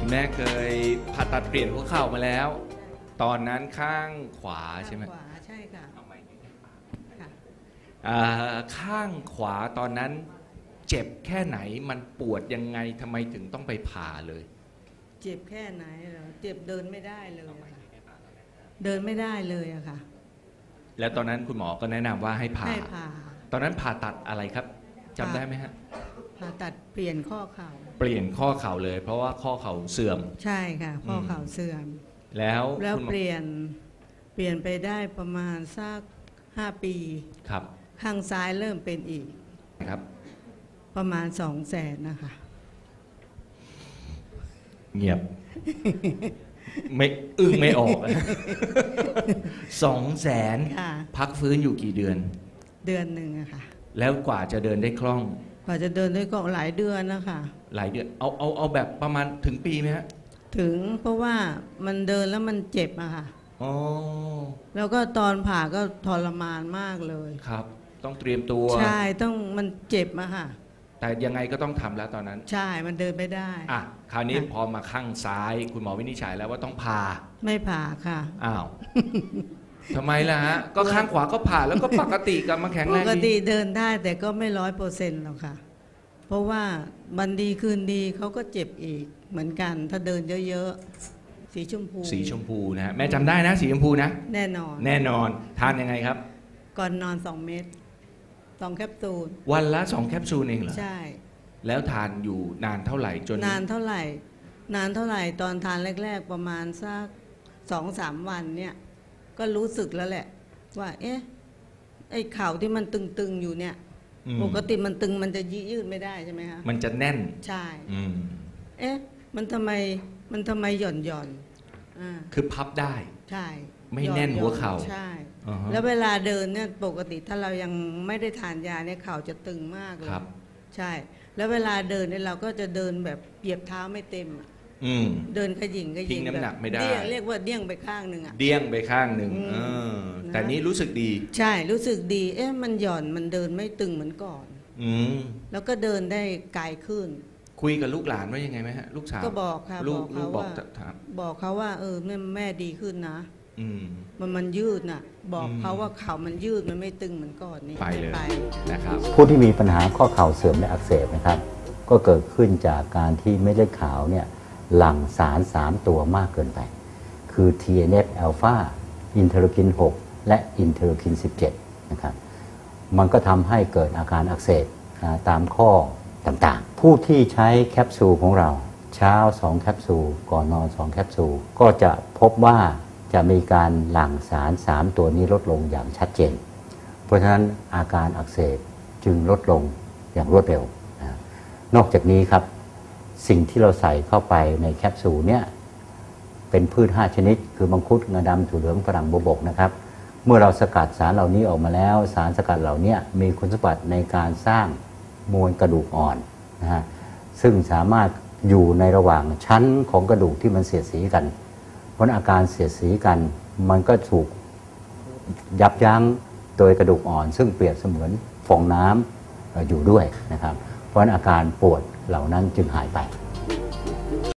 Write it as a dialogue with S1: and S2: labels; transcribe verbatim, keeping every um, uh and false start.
S1: คุณแม่เคยผ่าตัดเปลี่ยนหัวเข่ามาแล้วตอนนั้นข้างขวาใช่ไหม
S2: ขวาใช่ค่ะค่ะ
S1: อ่าข้างขวาตอนนั้นเจ็บแค่ไหนมันปวดยังไงทำไมถึงต้องไปผ่าเลย
S2: เจ็บแค่ไหนเหรอเจ็บเดินไม่ได้เลยค่ะเดินไม่ได้เลยอะค่ะ
S1: แล้วตอนนั้นคุณหมอก็แนะนำว่าให้ผ่า
S2: ให้ผ่า
S1: ตอนนั้นผ่าตัดอะไรครับจำได้ไหมฮะ
S2: ผ่าตัดเปลี่ยนข้อเข่า
S1: เปลี่ยนข้อเข่าเลยเพราะว่าข้อเข่าเสื่อม
S2: ใช่ค่ะข้อเข่าเสื่อม
S1: แล้ว
S2: แล้วเปลี่ยนเปลี่ยนไปได้ประมาณสักห้าปี
S1: ครับ
S2: ข้างซ้ายเริ่มเป็นอีก
S1: ครับ
S2: ประมาณสองแสนนะคะ
S1: เงียบ ไม่อึ้งไม่ออกสองแสนพักฟื้นอยู่กี่เดือน
S2: เดือนหนึ่งอะค่ะ
S1: แล้วกว่าจะเดินได้คล่อง
S2: กว่าจะเดินได้ก็หลายเดือนนะคะ
S1: หลายเดือนเอาเอาเอาแบบประมาณถึงปีไหมฮะ
S2: ถึงเพราะว่ามันเดินแล้วมันเจ็บอะค่ะ
S1: อ๋อ
S2: แล้วก็ตอนผ่าก็ทรมานมากเลย
S1: ครับต้องเตรียมตัว
S2: ใช่ต้องมันเจ็บอะค่ะ
S1: แต่ยังไงก็ต้องทำแล้วตอนนั้น
S2: ใช่มันเดินไม่ได้
S1: อ่ะคราวนี้พอมาข้างซ้ายคุณหมอวินิจฉัยแล้วว่าต้องผ่า
S2: ไม่ผ่าค่ะ
S1: อ้าวทำไมล่ะฮะก็ข้างขวาก็ผ่าแล้วก็ปกติกลับมาแข็งแรง
S2: ปกติเดินได้แต่ก็ไม่ร้อยเปอร์เซ็นต์หรอกค่ะเพราะว่าวันดีคืนดีเขาก็เจ็บอีกเหมือนกันถ้าเดินเยอะๆสีชมพู
S1: สีชมพูนะแม่จำได้นะสีชมพูนะ
S2: แน่นอน
S1: แน่นอนทานยังไงครับ
S2: ก่อนนอนสองเม็ดสองแคปซูล
S1: วันละสองแคปซูลเองเหรอ
S2: ใช่
S1: แล้วทานอยู่นานเท่าไหร่จน
S2: นานเท่าไหร่นานเท่าไหร่ตอนทานแรกๆประมาณสักสองสามวันเนี่ยก็รู้สึกแล้วแหละว่าเอ๊ะไอ้เข่าที่มันตึงๆอยู่เนี่ยปกติมันตึงมันจะยืดไม่ได้ใช่ไหมคะ
S1: มันจะแน่น
S2: ใช่เอ๊ะมันทำไมมันทำไมหย่อนหย่อนอ่า
S1: คือพับได้
S2: ใช่
S1: ไม่แน่นหัวเข่า
S2: ใช่แล้วเวลาเดินเนี่ยปกติถ้าเรายังไม่ได้ทานยาเนี่ยเข่าจะตึงมากเลยใช่แล้วเวลาเดินเนี่ยเราก็จะเดินแบบเหยียบเท้าไม่เต็มเดินขยิงขยิง
S1: น้ำหนักไม่ได้
S2: เรียกว่าเดี้ยงไปข้างหนึ่งอะ
S1: เดี้ยงไปข้างหนึ่งแต่นี้รู้สึกดี
S2: ใช่รู้สึกดีเอ๊ะมันหย่อนมันเดินไม่ตึงเหมือนก่อนแล้วก็เดินได้ไกลขึ้น
S1: คุยกับลูกหลานว่ายังไงไหมฮะลูกสาว
S2: ก็บอกค่ะ
S1: ลูก
S2: ลูก
S1: บอก
S2: บอกเขาว่าเออแม่แม่ดีขึ้นนะมันมันยืดน่ะบอกเขาว่าเข่ามันยืดมันไม่ตึงเหมือนก่อนนี่
S1: ไปเลยนะครับ
S3: ผู้ที่มีปัญหาข้อเข่าเสื่อมและอักเสบนะครับก็เกิดขึ้นจากการที่เม็ดเลือดขาวเนี่ยหลั่งสารสามตัวมากเกินไปคือ ที เอ็น เอฟ อัลฟา อินเทอร์ลูคิน หก และอินเทอร์ลูคิน สิบเจ็ด นะครับมันก็ทำให้เกิดอาการอักเสบตามข้อต่างๆผู้ที่ใช้แคปซูลของเราเช้าสองแคปซูลก่อนนอนสองแคปซูลก็จะพบว่าจะมีการหลั่งสารสามตัวนี้ลดลงอย่างชัดเจนเพราะฉะนั้นอาการอักเสบจึงลดลงอย่างรวดเร็วนะนอกจากนี้ครับสิ่งที่เราใส่เข้าไปในแคปซูลเนี่ยเป็นพืชห้าชนิดคือมังคุดงาดำถั่วเหลืองฝรั่งบัวบกนะครับเมื่อเราสกัดสารเหล่านี้ออกมาแล้วสารสกัดเหล่านี้มีคุณสมบัติในการสร้างมวลกระดูกอ่อนนะฮะซึ่งสามารถอยู่ในระหว่างชั้นของกระดูกที่มันเสียดสีกันเพราะอาการเสียดสีกันมันก็ถูกยับยั้งโดยกระดูกอ่อนซึ่งเปรียบเสมือนฟองน้ำอยู่ด้วยนะครับเพราะอาการปวดเหล่านั้นจึงหายไป